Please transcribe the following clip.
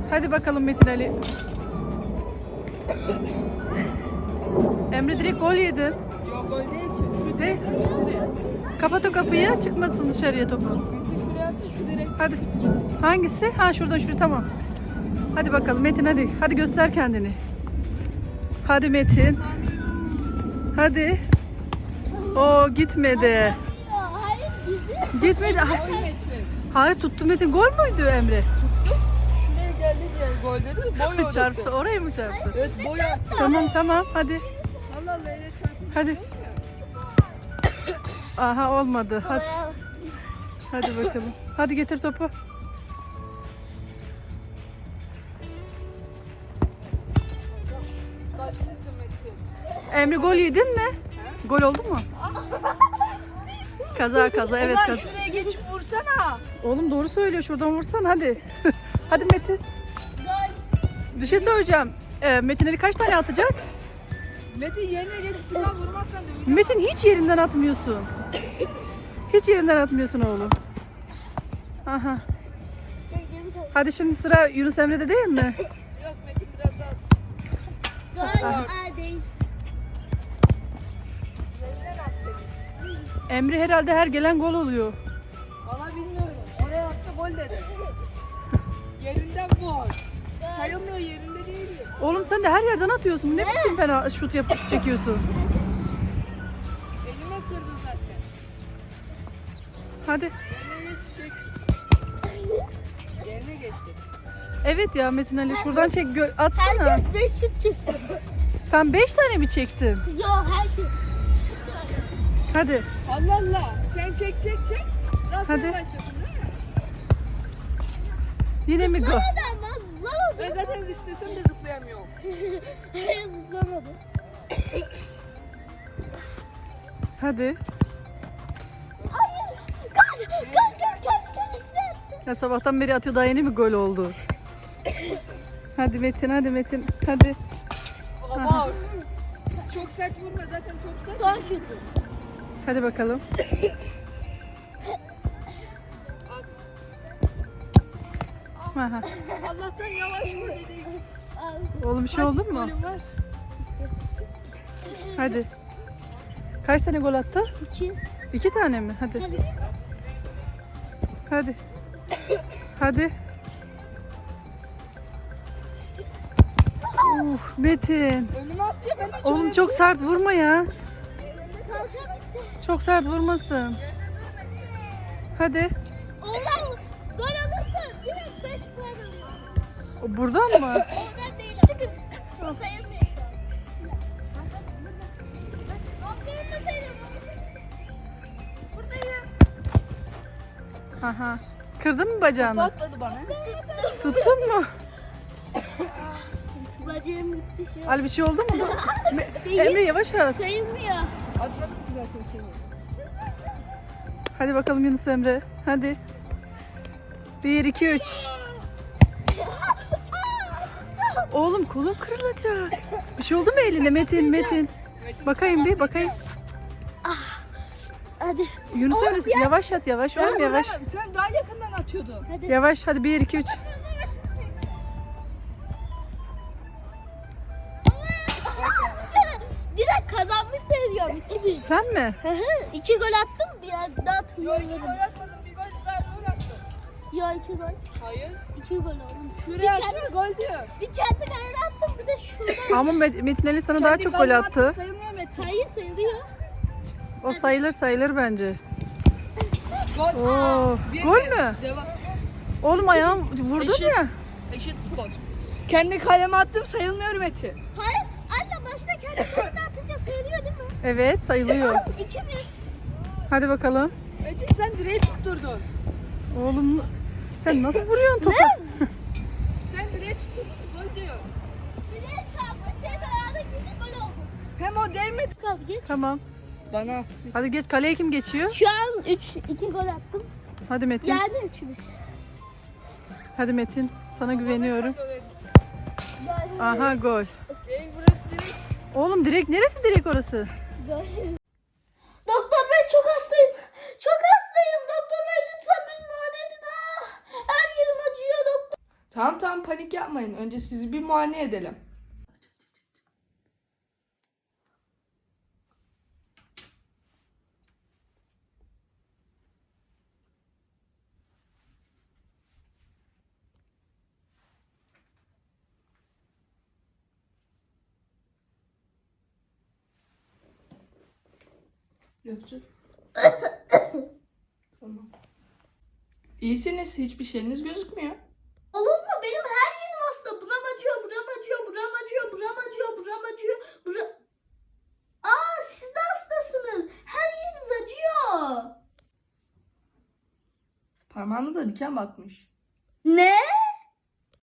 Hadi bakalım Metin Ali. Emre direkt gol yedi. Yok gol değil ki. Şu direkt şu direkt. Kapat o kapıyı, çıkmasın dışarıya topu. Metin şuraya attı, şu direkt. Hadi. Hangisi? Ha şuradan şuraya, tamam. Hadi bakalım Metin, hadi. Hadi göster kendini. Hadi Metin. Hadi. O gitmedi. Hayır gidiyor. Gitmedi. Gol Metin. Hayır, tuttu Metin. Gol müydü Emre? Şuraya geldi diye gol dedi. Boy orası. Çarptı. Oraya mı çarptı? Evet boy attı. Tamam hadi. Allah Allah öyle çarptı. Hadi. Aha olmadı. Hadi, Oraya bastım. hadi bakalım. Hadi getir topu. Kaçtı Metin. Emre gol yedin mi? Gol oldu mu? Kaza evet Ulan kaza. şuraya geçip vursana. Oğlum doğru söylüyor, şuradan vursan hadi. Hadi Metin. Gol. Bir şey söyleyeceğim. Metin Ali kaç tane atacak? Metin yerine geçip bir daha vurmazsan döveceğim. Metin hiç yerinden atmıyorsun. Hiç yerinden atmıyorsun oğlum. Aha. Hadi şimdi sıra Yunus Emre'de değil mi? Yok Metin biraz daha at. Gol. Aa değil. Yerinden at dedi. Emre herhalde her gelen gol oluyor. Valla bilmiyorum. Oraya attı gol dedi. Yerinden gol. Sayılmıyor, yerinde değil. Oğlum sen de her yerden atıyorsun. Ne biçim fena şut yapıp çekiyorsun? Elime kırdı zaten. Hadi. Yerine geçecek. Yerine geçti. Evet ya Metin Ali, şuradan çek, atsana. Herkes 5 şut çekiyor. Sen 5 tane mi çektin? Yok herkes. Hadi. Allah Allah. Sen çek. Daha sonra Hadi. başlasın değil mi? Yine mi gol? Zıplamadan ben zıplamadım. Ben zaten istesem de zıplayamıyorum. Hayır zıplamadım. Hadi. Hayır. Gol. Ya sabahtan beri atıyor, daha yeni mi gol oldu? Hadi Metin, hadi Metin. Hadi. Ama çok sert vurma, zaten çok sert. Son şutu. Hadi bakalım. At. Aha. Allah'tan yavaş vur dedi. Oğlum bir şey oldu mu? Golüm var. Hadi. Kaç tane gol attı? 2. 2 tane mi? Hadi. Hadi. Hadi. Hadi. Metin. Önüme atıyor, ben hiç Oğlum öyle çok sert vurma ya. Kalacağım işte. Çok sert vurmasın. Hadi. Oğlum gol alırsa direkt 5 puan alıyor. O buradan mı? Oradan değil. Çünkü sayılmıyor şu an. Nokta sayılmıyor. Buradayım. Aha. Kırdın mı bacağını? atladı bana. Tuttun mu? Bacağım gitti şu an. Ali bir şey oldu mu? Değil. Emre yavaş at. Sayılmıyor. Atladım ki zaten seni. Hadi bakalım Yunus Emre. Hadi. 1, 2, 3. Oğlum kolum kırılacak. Bir şey oldu mu eline Metin? Bakayım bir bakayım. Hadi. Yunus Oğlum Emre yavaş at, yavaş oğlum yavaş. Sen daha yakından atıyordun. Hadi. Yavaş hadi 1, 2, 3. Direkt kazanmış sayılıyorum. 2-1. Sen mi? 2 gol attım. Bir daha Yok 2 hatırlıyorum. gol atmadım, bir gol Zahra attı. Yok 2 gol. Hayır. 2 gol oldu. Şuraya atıyor, gol diyor. Bir kendi kalene attım bir de şuradan. Ama Metin Ali sana daha Kendi çok gol kaleme attı. attın, sayılmıyor Metin. Hayır sayılıyor. O sayılır bence. Gol. Oo, Bir- gol bir. mü? Devam. Oğlum ayağım vurdun Eşit. ya. Eşit skor. Kendi kaleme attım, sayılmıyor Metin. Hayır. Anne başta kendi kalene atınca sayılıyor değil mi? Evet sayılıyor. 2-1. Hadi bakalım. Metin sen direği tutturdun. Oğlum sen nasıl vuruyorsun topu? Sen direği tutturdun, gol diyor. Direğe çarpmış senin ayağına girdi gol oldu. Hem o değmedi. Kalk geç. Tamam. Bana. Hadi geç, kaleye kim geçiyor? Şu an 2 gol attım. Hadi Metin. Yani 3-1. Hadi Metin. Sana güveniyorum. Gol. Aha gol. Değil, burası direkt. Oğlum direkt neresi direkt orası? Gol. Doktor bey çok hastayım. Çok hastayım. Doktor bey lütfen beni muayene edin. Her yerim acıyor doktor. Tamam panik yapmayın. Önce sizi bir muayene edelim. Göksür. Tamam. İyisiniz. Hiçbir şeyiniz gözükmüyor. Olur mu? Benim her yerim hasta. Buram acıyor, buram acıyor, buram acıyor, buram acıyor, buram acıyor. Aa, siz de hastasınız. Her yeriniz acıyor. Parmağınıza diken batmış. Ne?